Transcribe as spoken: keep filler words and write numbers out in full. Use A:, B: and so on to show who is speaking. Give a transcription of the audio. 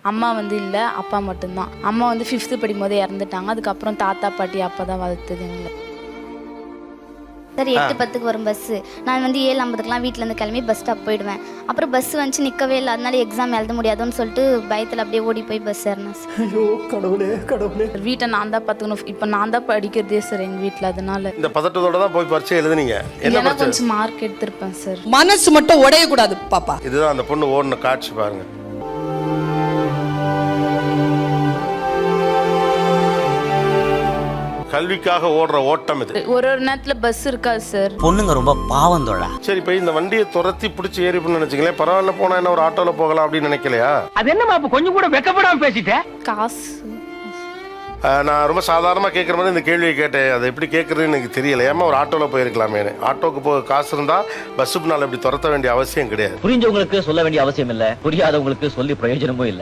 A: அம்மா வந்து இல்லை, அப்பா மட்டும்தான். அம்மா வந்து ஃபிஃப்த்து படிக்கும் போது இறந்துட்டாங்க. அதுக்கப்புறம் தாத்தா பாட்டி அப்பா தான் வளர்த்தது எங்களை.
B: சார் எட்டு பத்துக்கு வரும் பஸ்ஸு. நான் வந்து ஏழு ஐம்பதுக்குலாம் வீட்டிலேருந்து கிளம்பி பஸ் ஸ்டாப் போயிடுவேன். அப்புறம் பஸ் வந்துச்சு நிற்கவே இல்லை, அதனால எக்ஸாம் எழுத முடியாதுன்னு சொல்லிட்டு பயத்தில் அப்படியே ஓடி போய் பஸ் ஏறினேன் சார்.
C: ஐயோ கடவுளே கடவுளே.
A: வீட்டை நான் தான் பார்த்துக்கணும். இப்போ நான் தான் படிக்கிறதே சார் எங்கள் வீட்டில். அதனால
D: இந்த பதட்டத்தோட தான் போய் பரீட்சை எழுதுனீங்க. என்ன
A: ஏன்னா
D: பரீட்சை?
A: கொஞ்சம் மார்க் எடுத்திருப்பேன் சார்.
E: மனசு மட்டும் உடையக்கூடாது பாப்பா.
D: இதுதான் அந்த பொண்ணு ஓடின காட்சி பாருங்க. கல்விக்காக ஓடுற ஓட்டம் இது.
A: ஒரு ஒரு நேரத்தில் பஸ் இருக்காது சார்.
F: பொண்ணுங்க ரொம்ப பாவம் தோழா.
D: சரி, இப்போ இந்த வண்டியை துரத்தி பிடிச்சி ஏறி பண்ணு நினைச்சிங்களேன், பரவாயில்ல போனா என்ன ஒரு ஆட்டோல போகலாம் அப்படின்னு நினைக்கலையா?
G: அது என்னமா அப்ப கொஞ்சம் கூட வெக்கப்படாம பேசிட்டேன்.
A: காசு
D: ஆஹ் நான் ரொம்ப சாதாரணமாக கேட்குற மாதிரி இந்த கேள்வியை கேட்டேன். அதை எப்படி கேட்குறதுன்னு எனக்கு தெரியல. ஏமா ஒரு ஆட்டோவில் போயிருக்கலாமே. ஆட்டோக்கு போக காசு இருந்தால் பஸ்ஸுக்கு நாள் இப்படி துரத்த வேண்டிய அவசியம் கிடையாது.
G: புரிஞ்சவங்களுக்கு சொல்ல வேண்டிய அவசியம் இல்ல, புரியாதவங்களுக்கு சொல்லி பிரயோஜனமும் இல்ல.